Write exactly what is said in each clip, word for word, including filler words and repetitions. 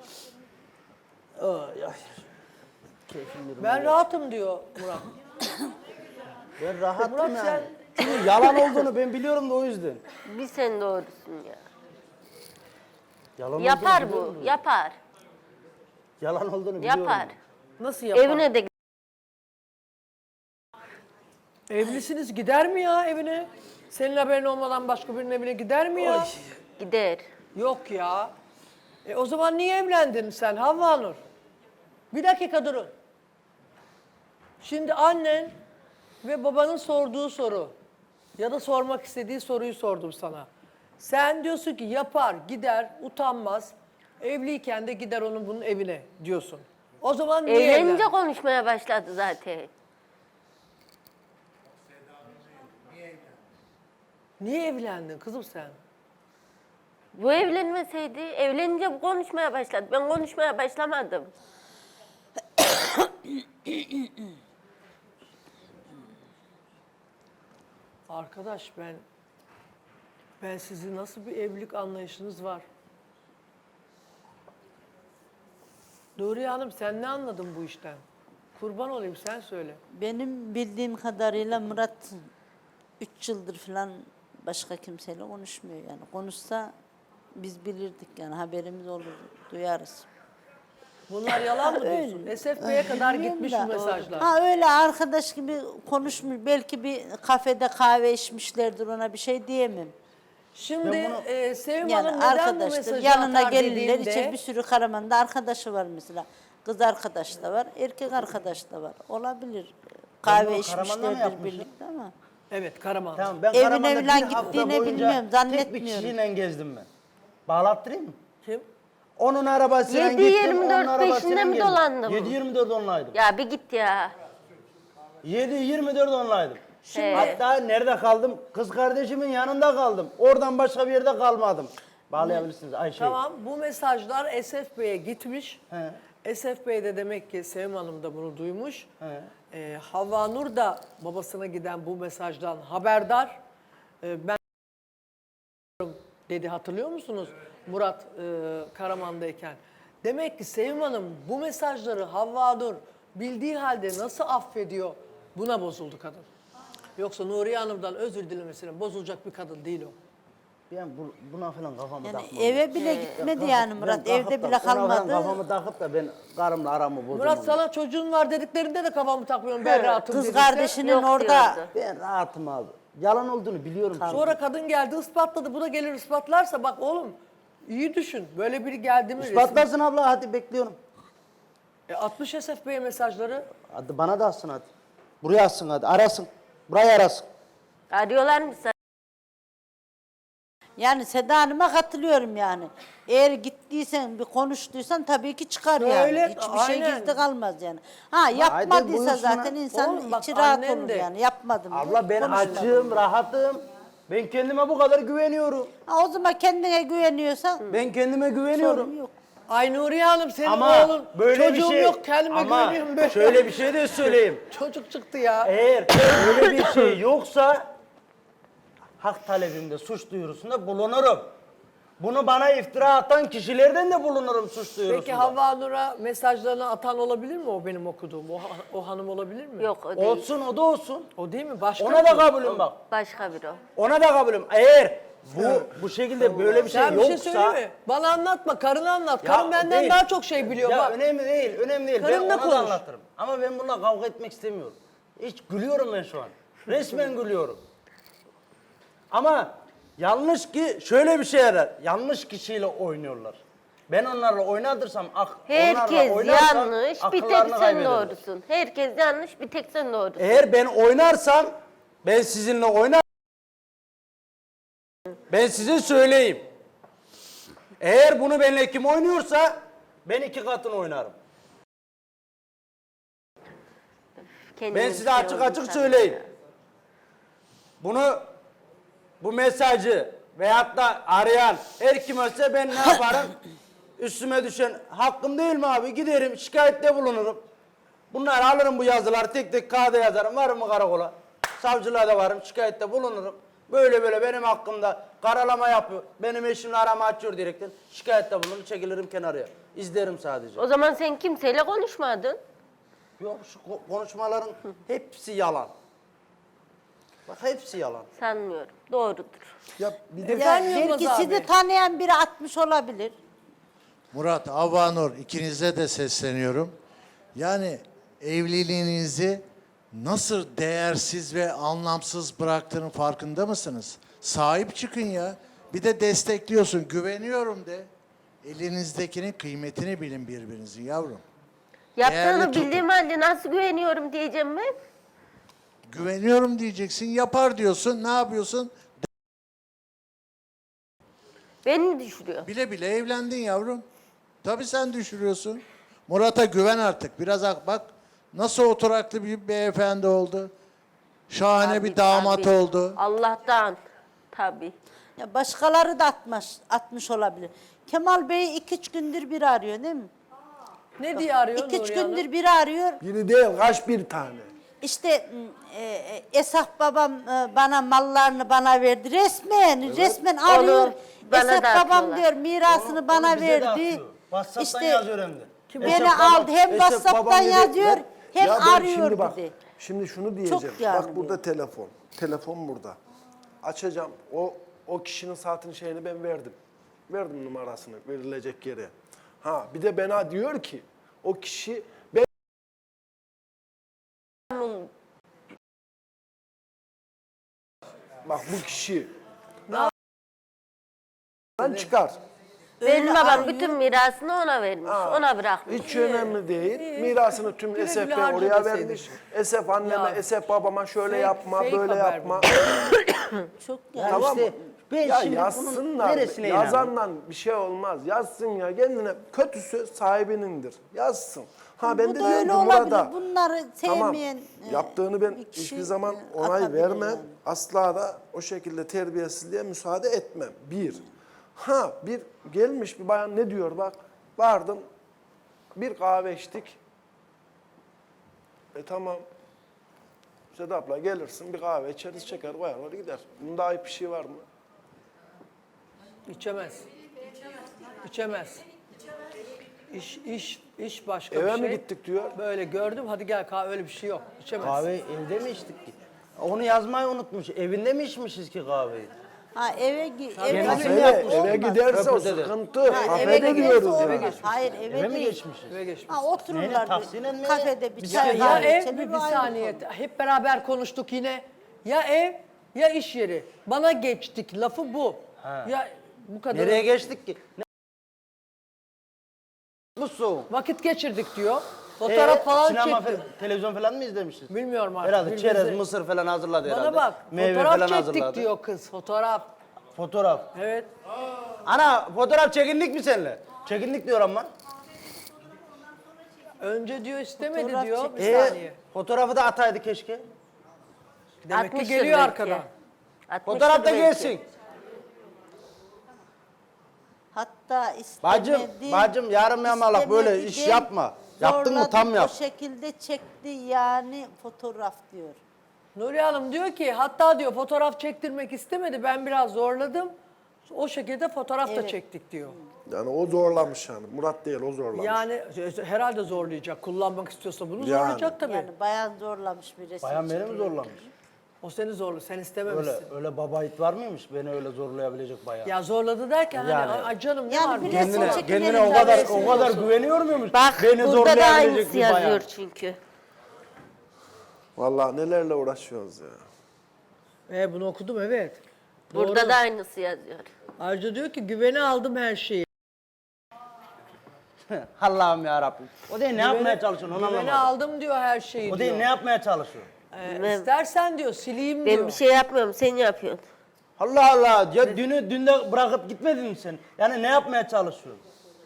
Ay, ay. Keyfim Ben rahatım diyor Murat. Ben rahatım Murat yani. sen... Çünkü yalan olduğunu ben biliyorum da o yüzden. Bir sen doğrusun ya. Yalan Yapar olduğunu bu, biliyorum da. yapar. Yalan olduğunu biliyorum. Yapar. Nasıl yapar? Evine de Evlisiniz, gider mi ya evine? Senin haberin olmadan başka birinin evine gider mi ya? Oy. gider. Yok ya. E o zaman niye evlendin sen Havva Nur? Bir dakika durun. Şimdi annen ve babanın sorduğu soru ya da sormak istediği soruyu sordum sana. Sen diyorsun ki yapar, gider, utanmaz. Evliyken de gider onun bunun evine diyorsun. O zaman niye Evlenince evlendin? konuşmaya başladı zaten. Niye evlendin kızım sen? Bu evlenmeseydi, evlenince bu konuşmaya başladı. Ben konuşmaya başlamadım. Arkadaş ben ben sizin nasıl bir evlilik anlayışınız var? Nuriye Hanım sen ne anladın bu işten? Kurban olayım sen söyle. Benim bildiğim kadarıyla Murat üç yıldır falan başka kimseyle konuşmuyor yani. Konuşsa biz bilirdik yani haberimiz olur, duyarız. Bunlar yalan mı diyorsun? S F B'ye kadar gitmiş bu mesajlar. Ha öyle arkadaş gibi konuşmuş. Belki bir kafede kahve içmişlerdir, ona bir şey diyemem. Şimdi Ben bunu- e, Sevim Yani Hanım neden bu arkadaşlar mesajı yanına atar gelirler, dediğinde içe bir sürü Karaman'da arkadaşı var mesela. Kız arkadaş da var, erkek arkadaş da var. Olabilir. Kahve bunu Karaman'da mı içmişlerdir yapmışım? birlikte ama. Evet Karaman. Tamam ben Evine Karaman'da falan bir hafta gittiğini boyunca bilmiyorum, tek bir zannetmiyorum. kişiyle gezdim ben. Bağlattırayım mı? Kim? Onun arabasıyla yedi gittim, yirmi onun dört arabasıyla peşinde mi geldim. dolandın? yedi yirmi dört onlaydım. Ya bir git ya. yedi yirmi dört onlaydım. He. Hatta nerede kaldım? Kız kardeşimin yanında kaldım. Oradan başka bir yerde kalmadım. Bağlayabilirsiniz Ayşe. Tamam bu mesajlar S F B'ye gitmiş. He. S F B'de de demek ki Sevim Hanım da bunu duymuş. He. Ee, Havva Nur da babasına giden bu mesajdan haberdar. Ee, ben dedi hatırlıyor musunuz Murat e, Karaman'dayken? Demek ki Sevim Hanım bu mesajları Havva Nur bildiği halde nasıl affediyor? Buna bozuldu kadın. Yoksa Nuriye Hanım'dan özür dilemesine bozulacak bir kadın değil o. Ben bu, buna falan kafamı Yani takmam. eve bile gitmedi yani Ben Murat, kalkıp evde da bile ona falan kalmadı. Kafamı takıp da ben karımla aramı bozamam. Murat sana çocuğun var dediklerinde de kafamı takmıyorum ben rahatım Kız dedikse. kardeşinin Yok orada diyordu. Ben rahatım abi. Yalan olduğunu biliyorum. çünkü. Sonra kadın geldi ispatladı. Bu da gelir ispatlarsa bak oğlum iyi düşün. Böyle biri geldi mi? İspatlarsın abla hadi bekliyorum. resmi- E, atmış S F B'ye mesajları. Hadi bana da atsın hadi. Buraya atsın hadi arasın. Burayı arasın. Arıyorlar mı sen? yani Seda Hanım'a katılıyorum yani. Eğer gittiysen bir konuştuysan tabii ki çıkar Öyle, yani. Hiçbir şey aynen. gizli kalmaz yani. Ha yapmadıysa buyursunlar. zaten insan Oğlum bak, içi rahat annen olur de- yani. Yapmadım diye Abla ben konuşmadım. açığım, rahatım. Ben kendime bu kadar güveniyorum. Ha, o zaman kendine güveniyorsan Ben kendime güveniyorum. sorun yok. Ay Nuriye Hanım senin Ama oğlun böyle çocuğum bir şey yok kendime ama güveniyorum böyle. şöyle bir şey de söyleyeyim. Çocuk çıktı ya. Eğer böyle bir şey yoksa hak talebimde suç duyurusunda bulunurum. Bunu bana iftira atan kişilerden de bulunurum suç duyurusunda. Peki Havva Nur'a mesajlarını atan olabilir mi o benim okuduğum? O, ha- o hanım olabilir mi? Yok o değil. Olsun o da olsun. O değil mi? Başka Ona mı? da kabulüm bak. Başka biri o. Ona da kabulüm. Eğer bu bu şekilde böyle bir şey Sen bir şey yoksa söyleme. Bana anlatma. Karını anlat. Ya Karın benden değil. daha çok şey biliyor. Ya bak. önemli değil, önemli değil. Karınla ben ona konuş. da anlatırım. Ama ben bununla kavga etmek istemiyorum. Hiç gülüyorum ben şu an. Resmen gülüyorum. Ama yanlış ki şöyle bir şey yarar. Yanlış kişiyle oynuyorlar. Ben onlarla oynadırsam, ak, onlarla Herkes oynarsam yanlış, bir tek akıllarını sen kaybederler. doğrusun. Herkes yanlış, bir tek sen doğrusun. Eğer ben oynarsam, ben sizinle oynar. Ben size söyleyeyim. Eğer bunu benimle kim oynuyorsa, ben iki katını oynarım. Kendine Ben bir size şey açık oldu açık sana. söyleyeyim. Bunu, bu mesajı veyahut da arayan her kim olsa ben ne yaparım? Üstüme düşen hakkım değil mi abi? Giderim şikayette bulunurum. Bunları alırım bu yazıları tek tek kağıda yazarım. Varım mı karakola? Savcılığa da varım şikayette bulunurum. Böyle böyle benim hakkımda karalama yapıyor. Benim eşimle arama açıyor direkten. Şikayette bulunur, çekilirim kenarıya. İzlerim sadece. O zaman sen kimseyle konuşmadın. Yok şu ko- konuşmaların hepsi yalan. Bak hepsi yalan. Sanmıyorum. Doğrudur. Ya bir de Evet. Ya Efendim Yılmaz belki abi? sizi tanıyan biri atmış olabilir. Murat, Avanur ikinize de sesleniyorum. Yani evliliğinizi nasıl değersiz ve anlamsız bıraktığının farkında mısınız? Sahip çıkın ya. Bir de destekliyorsun. Güveniyorum de. Elinizdekinin kıymetini bilin birbirinizin yavrum. Değerli Yaptığını tutun. bildiğim halde nasıl güveniyorum diyeceğim ben. Güveniyorum diyeceksin. Yapar diyorsun. Ne yapıyorsun? Beni düşürüyor. Bile bile evlendin yavrum. Tabii sen düşürüyorsun. Murat'a güven artık. Biraz ak- bak nasıl oturaklı bir beyefendi oldu. Şahane Tabii, bir damat tabii. oldu. Allah'tan. Tabii. Ya başkaları da atmış, atmış olabilir. Kemal Bey iki üç gündür bir arıyor değil mi? Ne diye arıyor İki üç Nuriye Hanım? gündür bir arıyor. Biri değil, kaç bir tane. İşte e, e, Esaf babam e, bana mallarını bana verdi. Resmen, resmen arıyor. bana Esaf da babam atıyorlar. diyor mirasını Onu- bana onu bize de verdi. atıyor. WhatsApp'tan İşte yazıyor hem de. beni Esef babam- aldı hem Esef WhatsApp'tan babam dedi, yazıyor ben- hem ya ben arıyor şimdi bak, dedi. Şimdi şunu diyeceğim. yani Bak burada telefon. Telefon burada. Açacağım. O o kişinin saatin şeyini ben verdim. Verdim numarasını verilecek yere. Ha bir de bana diyor ki o kişi ben bak bu kişi ben çıkar. Benim Öyle babam arıyor. bütün mirasını ona vermiş. Ona bırakmış. Hiç önemli değil. Mirasını tüm Güle Esef güle Bey harca oraya deseydin. vermiş. Esef anneme, Ya. Esef babama şöyle Fake- yapma, fake böyle haber yapma. Çok Yani Tamam işte mı? ben Ya şimdi bunun yazsınlar. neresine inanayım? Yazandan bir şey olmaz. Yazsın ya kendine. Kötüsü sahibinindir. Yazsın. Ha ben Bu de da diyorum öyle ki olabilir. Murat'a. Bunları Tamam. sevmeyen e, Yaptığını ben bir kişi, hiçbir zaman e, onay atabilir vermem. yani. Asla da o şekilde terbiyesizliğe müsaade etmem. Bir. Ha bir gelmiş bir bayan ne diyor bak. Vardım. Bir kahve içtik. E tamam. Sedap'la gelirsin bir kahve içeriz çeker koyarlar gider. Bunda ayıp bir şey var mı? İçemez. İçemez. İş, iş, iş başka Eve bir mi şey. gittik diyor. Böyle gördüm hadi gel kahve öyle bir şey yok. İçemez. Kahve evde mi içtik ki? Onu yazmayı unutmuş. Evinde mi içmişiz ki kahveyi? Ha eve gi- eve, Kendisi eve, mi Eve, yapmış? eve olmaz. giderse o Köprüde de. sıkıntı. Ha, eve Kafede giderse diyoruz olmaz. yani. Hayır eve, Eve mi değil. geçmişiz? Eve geçmiş. Ha otururlar taksiyle mi? bir kafede bir Bir çay şey- Ya kahve ev içelim, bir, bir ayrı saniye konu. hep beraber konuştuk yine. Ya ev ya iş yeri. Bana geçtik lafı bu. Ha. Ya bu kadar. Nereye geçtik ki? Ne? Bu soğuk. Vakit geçirdik diyor. Fotoğraf Ee, falan sinema çekti. fe- televizyon falan mı izlemişiz? Bilmiyorum artık. Herhalde birbirimize- çerez, mısır falan hazırladı herhalde. Bana bak Meyve fotoğraf falan çektik hazırladı. diyor kız fotoğraf. Fotoğraf. Evet. Ana fotoğraf çekindik mi seninle? Çekindik diyor ama. Önce diyor istemedi Fotoğraf diyor. çek- Bir Ee, saniye. fotoğrafı da ataydı keşke. Demek ki Atmıştır geliyor belki. arkadan. Atmıştır Fotoğraf da belki. gelsin. Hatta Bacım, istemedi. bacım yarım yamalak böyle istemedi iş değil, yapma. Yaptın mı tam zorladı, yap. O şekilde çekti yani fotoğraf diyor. Nuriye Hanım diyor ki hatta diyor fotoğraf çektirmek istemedi. Ben biraz zorladım. O şekilde fotoğraf da Evet. çektik diyor. Yani o zorlamış yani. Murat değil o zorlamış. Yani e, herhalde zorlayacak. Kullanmak istiyorsa bunu Yani. zorlayacak tabii. Yani bayan zorlamış bir resim. Bayan beni mi çekiyor. zorlamış? O seni zorlu. Sen istememişsin. Öyle öyle baba it var mıymış beni öyle zorlayabilecek bayağı? Ya zorladı derken Yani. hani ay canım ne Yani var? bir bunda? resim Kendine, çekilelim kendine o de kadar resim o kadar olsun. güveniyor muymuş? Bak beni burada da zorlayabilecek aynısı bir bayan. yazıyor çünkü. Vallahi nelerle uğraşıyoruz ya. E, bunu okudum evet. Burada Doğru. da aynısı yazıyor. Ayrıca diyor ki güvene aldım her şeyi. Allah'ım ya Rabbim. O değil ne yapmaya çalışıyorsun onu Güvene anlamadım. aldım diyor her şeyi O diyor. değil ne yapmaya çalışıyor? E, Bilmem. istersen diyor sileyim Ben diyor. bir şey yapmıyorum, sen yapıyorsun. Allah Allah ya dünü dünde bırakıp gitmedin mi sen? Yani ne yapmaya çalışıyorsun?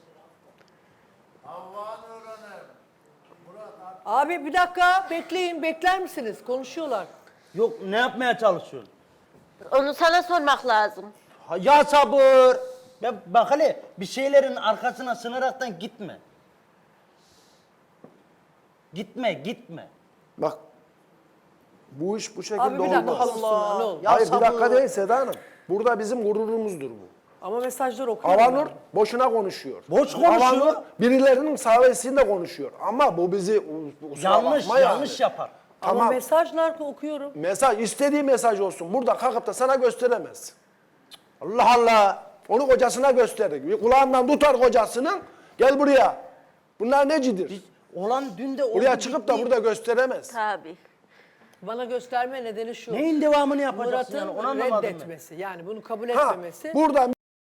Abi bir dakika bekleyin bekler misiniz? Konuşuyorlar. Yok ne yapmaya çalışıyorsun? Onu sana sormak lazım. Ha, ya sabır. Ya bak hele bir şeylerin arkasına sığınaraktan gitme. Gitme gitme. Bak Bu iş bu şekilde Abi bir dakika olmaz. Allah ne olur. Ya Hayır bir sabır. dakika değil Seda Hanım. Burada bizim gururumuzdur bu. Ama mesajları okuyorum. Havanur ben. boşuna konuşuyor. Boş konuşuyor. Havanur birilerinin sayesinde konuşuyor. Ama bu bizi kusura Yanlış, bakma yani. yanlış yapar. Ama Tamam. mesajlar okuyorum. Mesaj istediği mesaj olsun. Burada kalkıp da sana gösteremez. Allah Allah. Onu kocasına gösterir. Bir kulağından tutar kocasının. Gel buraya. Bunlar necidir? Olan dün de oldu. Buraya çıkıp da bitti. burada gösteremez. Tabii. Bana gösterme nedeni şu. Neyin devamını yapacaksın Murat'ın yani onu anlamadım ben. reddetmesi. Yani bunu kabul Ha, etmemesi. burada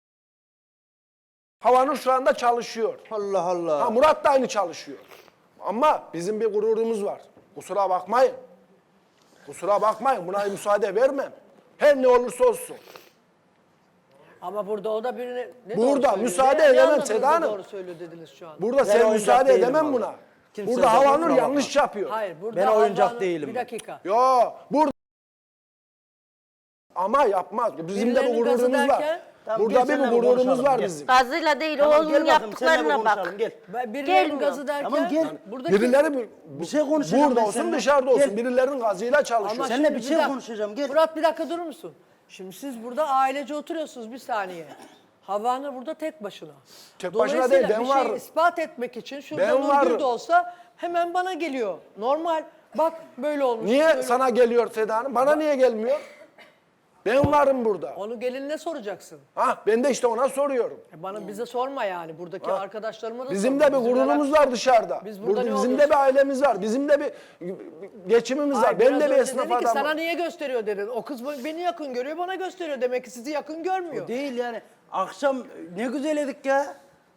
Havanur şu anda çalışıyor. Allah Allah. Ha, Murat da aynı çalışıyor. Ama bizim bir gururumuz var. Kusura bakmayın. Kusura bakmayın. Buna müsaade vermem. Her ne olursa olsun. Ama burada o da birine ne Burada doğru söylüyor? müsaade Ne- ne edemem anladınız Seda da Hanım. doğru söylüyor dediniz şu an. Burada Ben sen oyuncak müsaade değilim edemem vallahi. buna. Kimse Burada sakın Havanur kusura yanlış bakma. yapıyor. Hayır burada Ben oyuncak Havanur- değilim Bir ben. dakika. Yo, burada ama yapmaz. Bizim de bu Birilerinin gazı gururumuz var. derken- Tamam, Burada gel bir seninle bu gururumuz konuşalım, var gel. bizim. Gazıyla değil Tamam, oğlunun gel bakayım, seninle yaptıklarına bak. konuşalım, Gel. Ben- Birilerinin Gelmiyor. gazı derken Tamam, gel. buradaki Birileri bir, Bir şey konuşacağım burada ben olsun seninle. dışarıda olsun. Gel. Birilerinin gazıyla çalışıyor. Ama Seninle şimdi bir şey dakika. konuşacağım, gel. Murat bir dakika durur musun? Şimdi siz burada ailece oturuyorsunuz bir saniye. Havanur burada tek başına. Tek başına Dolayısıyla değil, ben bir şeyi varım. ispat etmek için şurada Ben Nurgül varım. de olsa hemen bana geliyor. Normal. Bak böyle olmuş. Niye böyle- sana geliyor Seda Hanım? Bana niye gelmiyor? Ben varım burada. Onu gelinine soracaksın. Ha, ben de işte ona soruyorum. E bana bize sorma yani. Buradaki arkadaşlarıma da Bizim sorma. de bir Bizim gururumuz neler- var dışarıda. Biz burada Burada ne bizim de oluyoruz? bir ailemiz var. Bizim de bir geçimimiz Ay, var. Ben biraz de bir önce esnaf dedi ki, sana adamım. niye gösteriyor dedin. O kız beni yakın görüyor, bana gösteriyor. Demek ki sizi yakın görmüyor. Değil yani. Akşam ne güzel edik ya.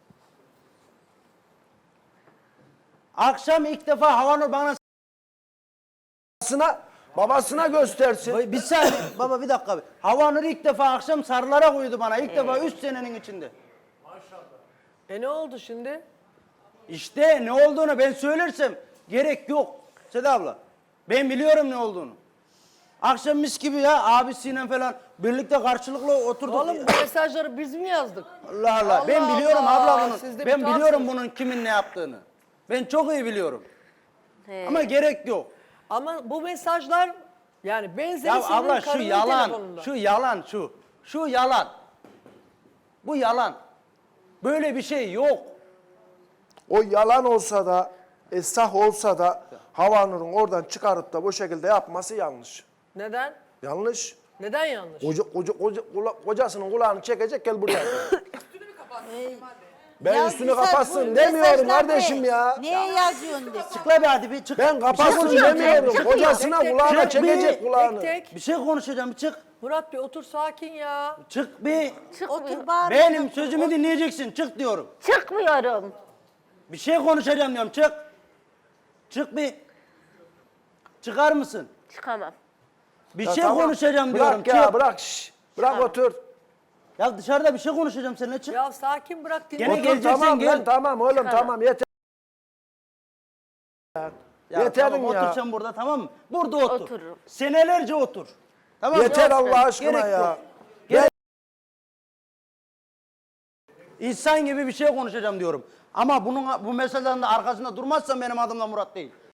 Akşam ilk defa Havanur bana... Babasına, babasına göstersin. Bir saniye baba bir dakika. Havanur ilk defa akşam sarılara koydu bana. İlk defa üç senenin içinde. E ne oldu şimdi? İşte ne olduğunu ben söylersem gerek yok Seda abla. Ben biliyorum ne olduğunu. Akşam mis gibi ya abisiyle falan birlikte karşılıklı oturduk. Oğlum bu mesajları biz mi yazdık? Allah Allah. Ben Allah biliyorum Allah, abla bunun. siz de bir Ben tuhafsınız. biliyorum bunun kimin ne yaptığını. Ben çok iyi biliyorum. He. Ama gerek yok. Ama bu mesajlar yani benzeri Ya senin abla şu karının yalan, telefonunda. şu yalan şu. Şu yalan. Bu yalan. Böyle bir şey yok. O yalan olsa da, esah olsa da Havanur'un oradan çıkarıp da bu şekilde yapması yanlış. Neden? Yanlış. Neden yanlış? Koca, koca, koca, kula- kocasının kulağını çekecek gel buraya. Ben Ya üstünü mesaj- kapatsın bu demiyorum mesajlar kardeşim ne? ya. Niye yazıyorsun de? Çık la bir hadi bir çık. Ben kapatsın konuşacağım, demiyorum. çık, Kocasına Tek tek, kulağına tek çekecek bir- kulağını. Tek tek. Bir şey konuşacağım bir çık. Murat Bey otur sakin ya. Çık bir. Otur bağır. Benim sözümü dinleyeceksin. Çık diyorum. Çıkmıyorum. Bir şey konuşacağım diyorum. Çık. Çık bir. Çıkar mısın? Çıkamam. Bir Ya şey tamam, konuşacağım bırak diyorum. ya çık. bırak şş. Bırak Tamam. otur. Ya dışarıda bir şey konuşacağım seninle çık. Ya sakin bırak dinle. Gene Otur geleceksin, tamam gel. lan tamam oğlum Çıkalım. tamam yeter. Ya Yeterim tamam, ya. Otur sen burada tamam mı? Burada otur. Otururum. Senelerce otur. Tamam mı? Yeter Yok, Allah aşkına gerek ya. yok. Gerek- İnsan gibi bir şey konuşacağım diyorum. Ama bunun bu meselelerin de arkasında durmazsan benim adım da Murat değil.